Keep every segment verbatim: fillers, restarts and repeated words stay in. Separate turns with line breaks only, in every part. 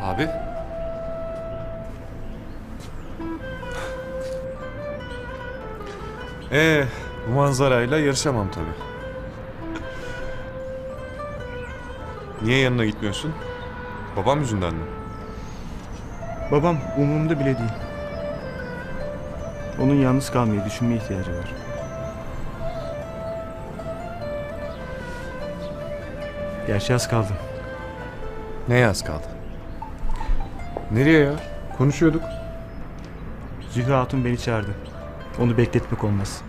Abi. Ee, bu manzarayla yarışamam tabii. Niye yanına gitmiyorsun? Babam yüzünden mi?
Babam umurumda bile değil. Onun yalnız kalmayı düşünmeye ihtiyacı var. Gerçi az kaldı.
Neye az kaldı? Nereye ya? Konuşuyorduk.
Zühre Hatun beni çağırdı. Onu bekletmek olmaz.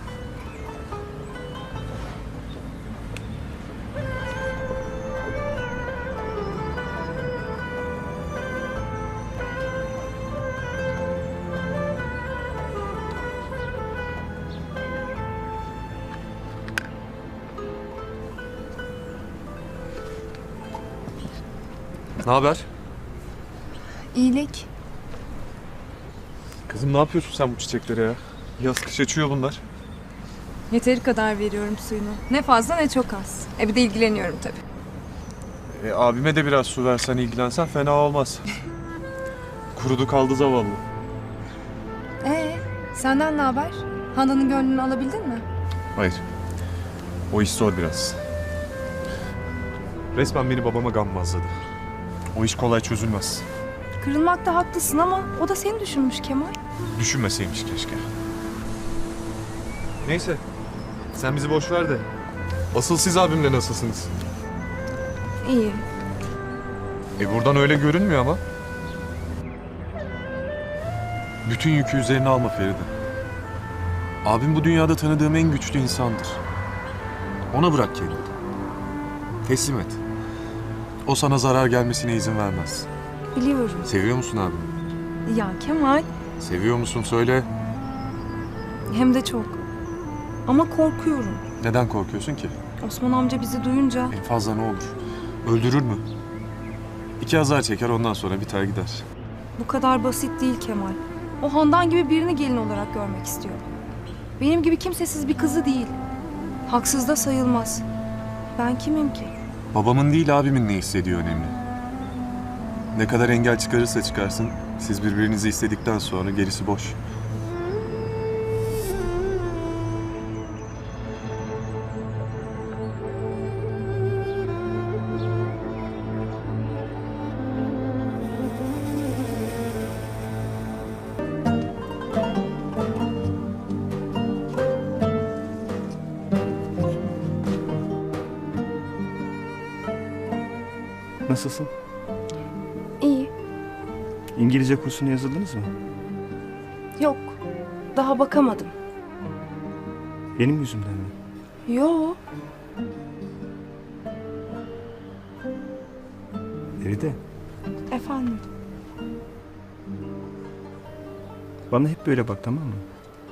Ne haber?
İyilik.
Kızım ne yapıyorsun sen bu çiçeklere ya? Yaz kış açıyor bunlar.
Yeteri kadar veriyorum suyunu. Ne fazla ne çok az. E bir de ilgileniyorum tabii.
E, abime de biraz su versen ilgilensen fena olmaz. Kurudu kaldı zavallı.
Ee, senden ne haber? Handan'ın gönlünü alabildin mi?
Hayır. O iş zor biraz. Resmen beni babama gammazladı. O iş kolay çözülmez.
Kırılmakta haklısın ama o da seni düşünmüş Kemal.
Düşünmeseymiş keşke. Neyse. Sen bizi boş ver de. Asıl siz abimle nasılsınız?
İyi.
E buradan öyle görünmüyor ama. Bütün yükü üzerine alma Feride. Abim bu dünyada tanıdığım en güçlü insandır. Ona bırak kendini. Teslim et. O sana zarar gelmesine izin vermez.
Biliyorum.
Seviyor musun abimi?
Ya Kemal,
Seviyor musun söyle.
hem de çok. Ama korkuyorum.
Neden korkuyorsun ki?
Osman amca bizi duyunca
En fazla ne olur? Öldürür mü? İki azar çeker ondan sonra biter gider.
bu kadar basit değil Kemal. O Handan gibi birini gelin olarak görmek istiyor. Benim gibi kimsesiz bir kızı değil. Haksız da sayılmaz. Ben kimim ki?
Babamın değil abimin ne hissediyor önemli. Ne kadar engel çıkarırsa çıkarsın, siz birbirinizi istedikten sonra gerisi boş.
Nasılsın?
İyi.
İngilizce kursuna yazıldınız mı?
Yok. Daha bakamadım.
Benim yüzümden mi?
Yo.
Feride,
Efendim.
bana hep böyle bak, tamam mı?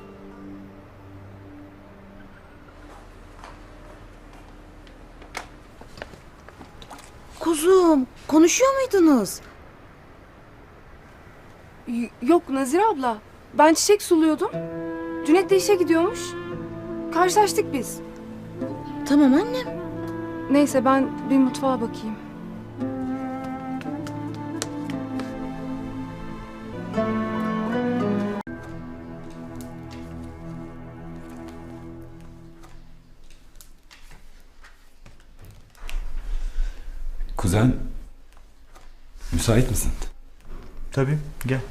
Kuzum, konuşuyor muydunuz?
Y- yok Nazire abla. Ben çiçek suluyordum. Cüneyt de işe gidiyormuş. Karşılaştık biz.
Tamam annem.
Neyse ben bir mutfağa bakayım.
Kuzen, müsait misin?
Tabii, gel.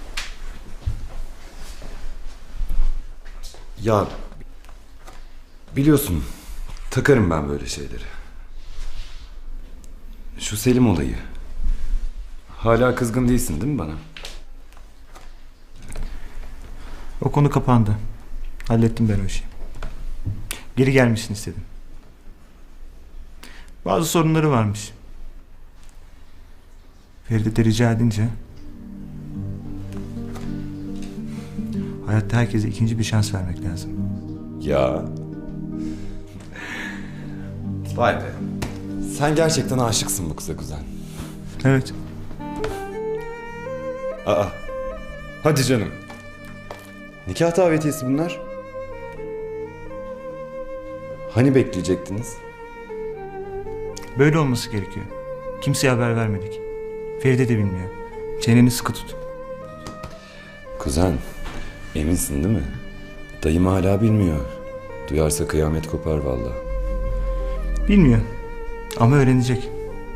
Ya, biliyorsun, takarım ben böyle şeyleri. Şu Selim olayı. Hala kızgın değilsin değil mi bana?
O konu kapandı. Hallettim ben o işi. Geri gelmişsin istedim. Bazı sorunları varmış. Feride de rica edince hayatta herkese ikinci bir şans vermek lazım.
Ya. Vay be. Sen gerçekten aşıksın bu kıza kuzen.
Evet.
Aa. Hadi canım. Nikah davetiyesi bunlar. Hani bekleyecektiniz?
Böyle olması gerekiyor. Kimseye haber vermedik. Feride de bilmiyor. Çeneni sıkı tut.
Kuzen, eminsin değil mi? Dayım hala bilmiyor. Duyarsa kıyamet kopar vallahi.
Bilmiyor. Ama öğrenecek.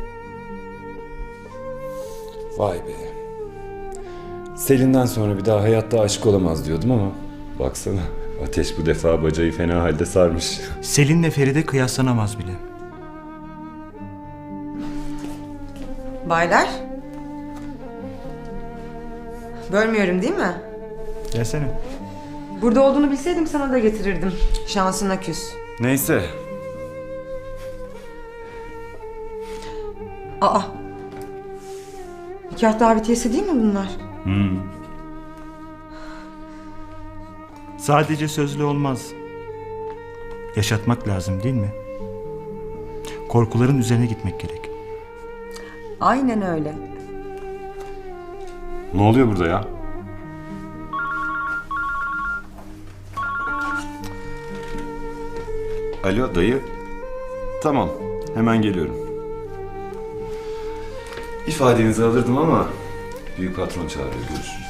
Vay be. Selin'den sonra bir daha hayatta aşık olamaz diyordum ama baksana Ateş bu defa bacayı fena halde sarmış.
Selin'le Feride kıyaslanamaz bile.
Baylar. Bölmüyorum değil mi?
Gelsene.
Burada olduğunu bilseydim sana da getirirdim. Şansına küs.
Neyse.
Aa. Nikah davetiyesi değil mi bunlar?
Sadece sözlü olmaz. Yaşatmak lazım değil mi? Korkuların üzerine gitmek gerek.
Aynen öyle.
Ne oluyor burada ya? Alo dayı. Tamam, hemen geliyorum. İfadenizi alırdım ama büyük patron çağırıyor, görüşürüz.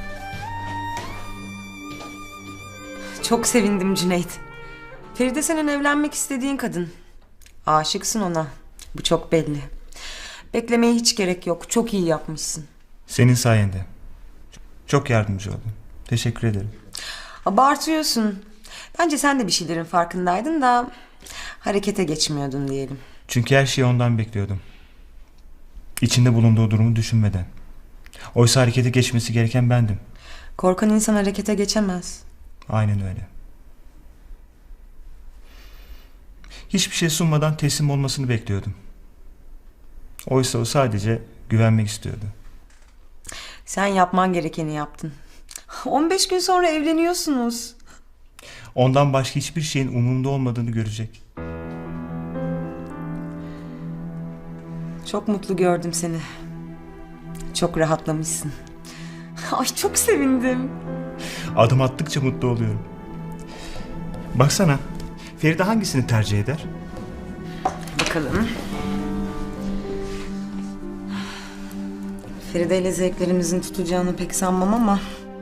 Çok sevindim Cüneyt. Feride senin evlenmek istediğin kadın. Aşıksın ona. Bu çok belli. Beklemeye hiç gerek yok. Çok iyi yapmışsın.
Senin sayende. Çok yardımcı oldun. Teşekkür ederim.
Abartıyorsun. Bence sen de bir şeylerin farkındaydın da harekete geçmiyordun diyelim.
Çünkü her şeyi ondan bekliyordum. İçinde bulunduğu durumu düşünmeden. Oysa harekete geçmesi gereken bendim.
Korkan insan harekete geçemez.
Aynen öyle. Hiçbir şey sunmadan teslim olmasını bekliyordum. Oysa o sadece güvenmek istiyordu.
Sen yapman gerekeni yaptın. on beş gün sonra evleniyorsunuz.
Ondan başka hiçbir şeyin umurumda olmadığını görecek.
Çok mutlu gördüm seni. Çok rahatlamışsın. Ay çok sevindim.
Adım attıkça mutlu oluyorum. Baksana, Feride hangisini tercih eder?
Bakalım. Feride ile zevklerimizin tutacağını pek sanmam ama...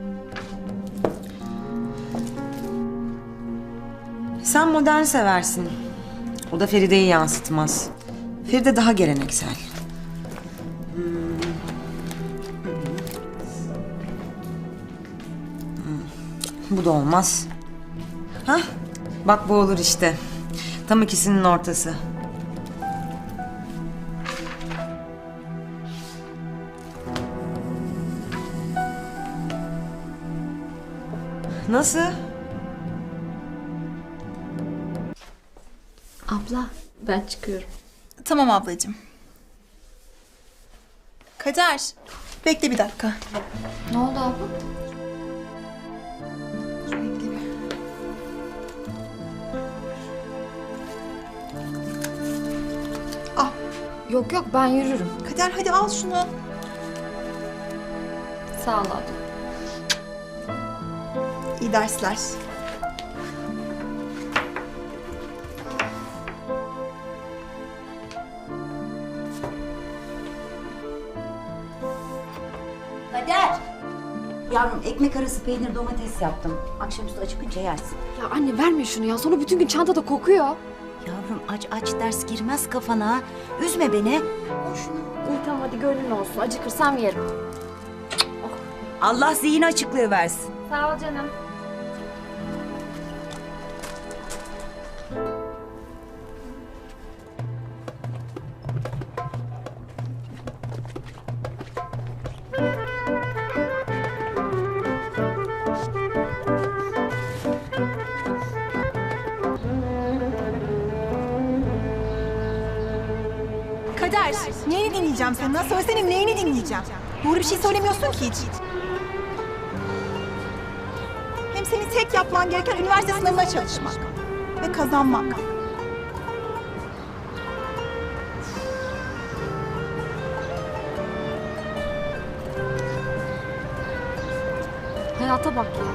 Sen modern seversin. O da Feride'yi yansıtmaz. Feride daha geleneksel. Hmm. Hmm. Bu da olmaz. Hah, bak bu olur işte. Tam ikisinin ortası. Nasıl?
Abla ben çıkıyorum.
Tamam ablacığım. Kader, bekle bir dakika.
Ne oldu abla?
Bekle bir. Ah,
Yok yok ben yürürüm.
Kader hadi al şunu.
Sağ ol abla.
İyi dersler.
Kader. Yavrum ekmek arası peynir domates yaptım. Akşamüstü acıkınca yersin.
Ya anne verme şunu ya. Sonra bütün gün çantada kokuyor.
Yavrum aç aç ders girmez kafana. Üzme beni. Al şunu.
İyi tamam hadi gönlün olsun. Acıkırsam yerim.
Allah zihin açıklığı versin.
Sağ ol canım.
Kader, neyini dinleyeceğim senden? Söylesene neyini dinleyeceğim? Doğru bir şey söylemiyorsun ki hiç. Hem senin tek yapman gereken üniversite sınavına çalışmak. Ve kazanmak.
Hayata bak ya.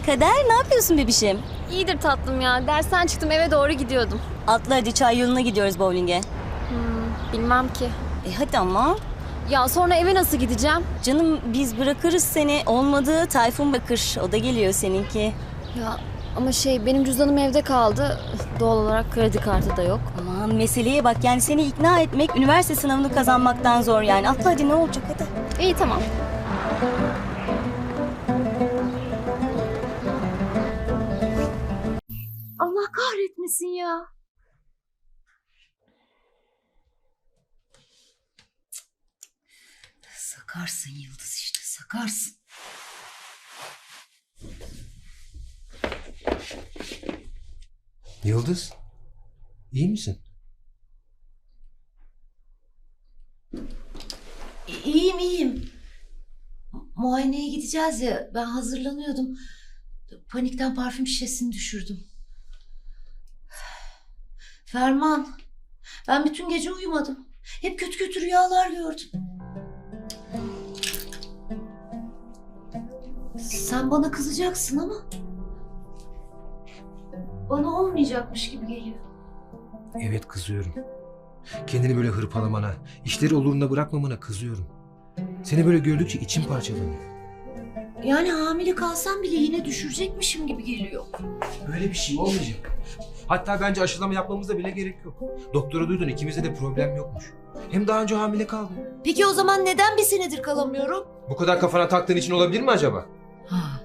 Kader, ne yapıyorsun bebişim?
İyidir tatlım ya. Dersten çıktım eve doğru gidiyordum.
Atla hadi, çay yoluna gidiyoruz bowling'e.
Bilmem ki.
E hadi ama.
Ya sonra eve nasıl gideceğim?
Canım biz bırakırız seni. Olmadı Tayfun bakır. O da geliyor seninki.
Ya ama şey benim cüzdanım evde kaldı. Doğal olarak kredi kartı da yok.
Aman meseleye bak, yani seni ikna etmek üniversite sınavını kazanmaktan zor yani. Atla hadi, ne olacak hadi.
İyi tamam. Allah kahretmesin ya.
Sakarsın Yıldız işte sakarsın.
Yıldız, iyi misin?
İyiyim iyiyim. Muayeneye gideceğiz ya, ben hazırlanıyordum. Panikten parfüm şişesini düşürdüm. Ferman, ben bütün gece uyumadım. Hep kötü kötü rüyalar gördüm. Sen bana kızacaksın ama bana olmayacakmış gibi geliyor.
Evet, kızıyorum. Kendini böyle hırpalamana, işleri oluruna bırakmamana kızıyorum. Seni böyle gördükçe içim parçalanıyor.
Yani hamile kalsam bile yine düşürecekmişim gibi geliyor.
Böyle bir şey olmayacak. Hatta bence aşılama yapmamıza bile gerek yok. Doktora duydun, ikimizde de problem yokmuş. Hem daha önce hamile kaldın.
Peki o zaman neden bir senedir kalamıyorum?
Bu kadar kafana taktığın için olabilir mi acaba?
Ha.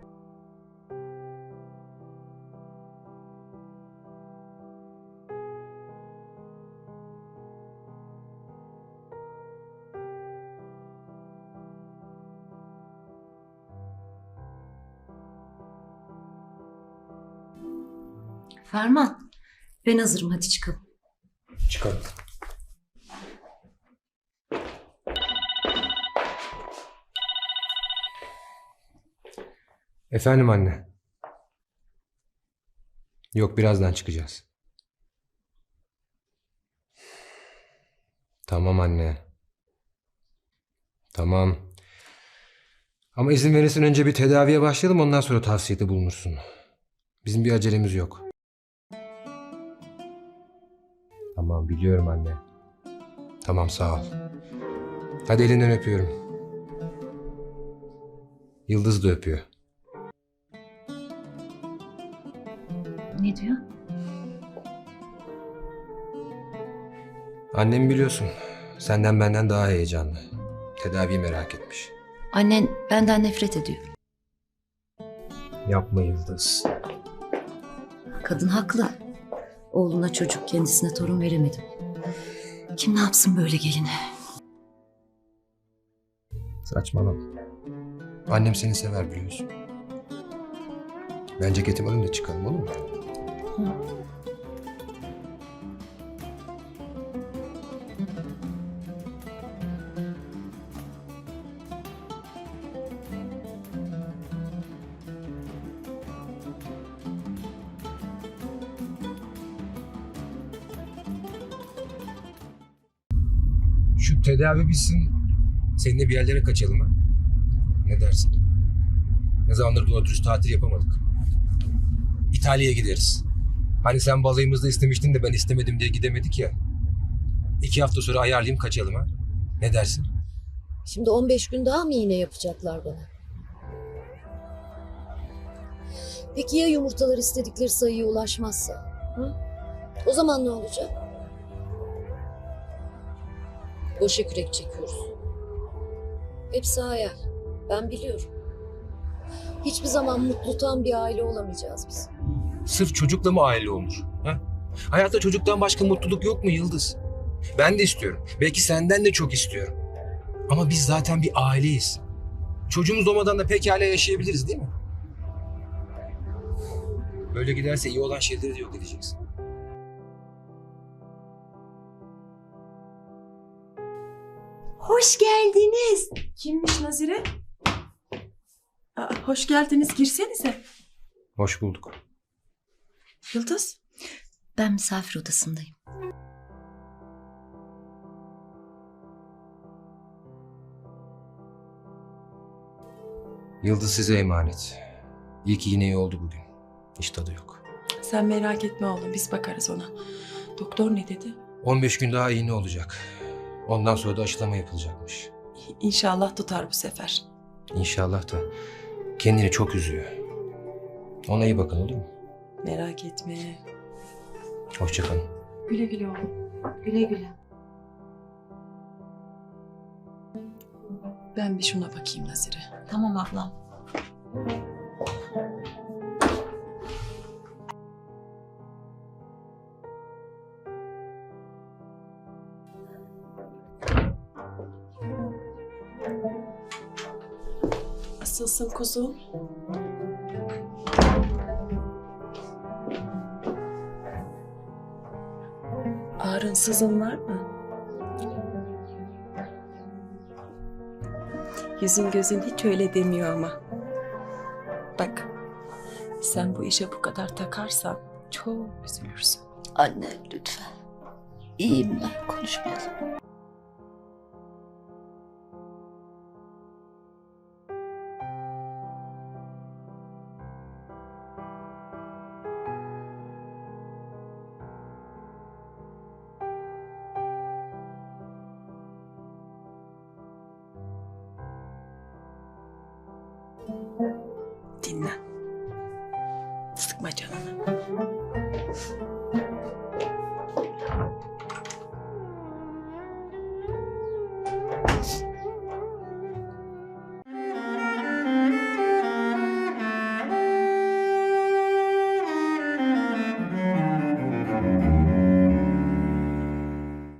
Ferman, ben hazırım, hadi çıkalım.
Çıkalım. Efendim anne. Yok, birazdan çıkacağız. Tamam anne. Tamam. Ama izin verirsen önce bir tedaviye başlayalım, ondan sonra tavsiyede bulunursun. Bizim bir acelemiz yok. Tamam, biliyorum anne. Tamam, sağ ol. Hadi elinden öpüyorum. Yıldız da öpüyor.
Ne diyor?
Annem biliyorsun, senden benden daha heyecanlı. Tedaviyi merak etmiş.
Annen benden nefret ediyor.
Yapma Yıldız.
Kadın haklı. Oğluna çocuk, kendisine torun veremedim. Kim ne yapsın böyle geline?
Saçmalama. Annem seni sever biliyorsun. Ben ceketimi alayım da çıkalım, olur mu?
Hı.
Şu tedavi bitsin, seninle bir yerlere kaçalım ha? Ne dersin? Ne zamandır doğru dürüst tatil yapamadık. İtalya'ya gideriz. Hani sen balayımızda istemiştin de ben istemedim diye gidemedik ya. İki hafta sonra ayarlayayım, kaçalım ha? Ne dersin?
Şimdi on beş gün daha mı iğne yapacaklar bana? Peki ya yumurtalar istedikleri sayıya ulaşmazsa? Hı? O zaman ne olacak? Boşa kürek çekiyoruz. Hepsi hayal. Ben biliyorum. Hiçbir zaman mutlu tam bir aile olamayacağız biz.
Sırf çocukla mı aile olmuş? Ha? Hayatta çocuktan başka mutluluk yok mu Yıldız? Ben de istiyorum. Belki senden de çok istiyorum. Ama biz zaten bir aileyiz. Çocuğumuz olmadan da pekala yaşayabiliriz, değil mi? Böyle giderse iyi olan şeyleri de yok edeceksin.
Hoş geldiniz.
Kimmiş Nazire?
Aa, hoş geldiniz, girsenize.
Hoş bulduk.
Yıldız.
Ben misafir odasındayım.
Yıldız size emanet. İyi ki yine iyi oldu bugün. Hiç tadı yok.
Sen merak etme oğlum, biz bakarız ona. Doktor ne dedi?
on beş gün daha iğne olacak. Ondan sonra da aşılama yapılacakmış.
İnşallah tutar bu sefer.
İnşallah da kendini çok üzüyor. Ona iyi bakın, olur mu?
Merak etme.
Hoşça kalın.
Güle güle oğlum. Güle güle. Ben bir şuna bakayım Nazire.
Tamam ablam.
Nasılsın kuzum? Ağrın sızın var mı? Yüzün gözün hiç öyle demiyor ama. Bak, sen bu işe bu kadar takarsan çok üzülürsün.
Anne lütfen. İyiyim ben, konuşmayalım.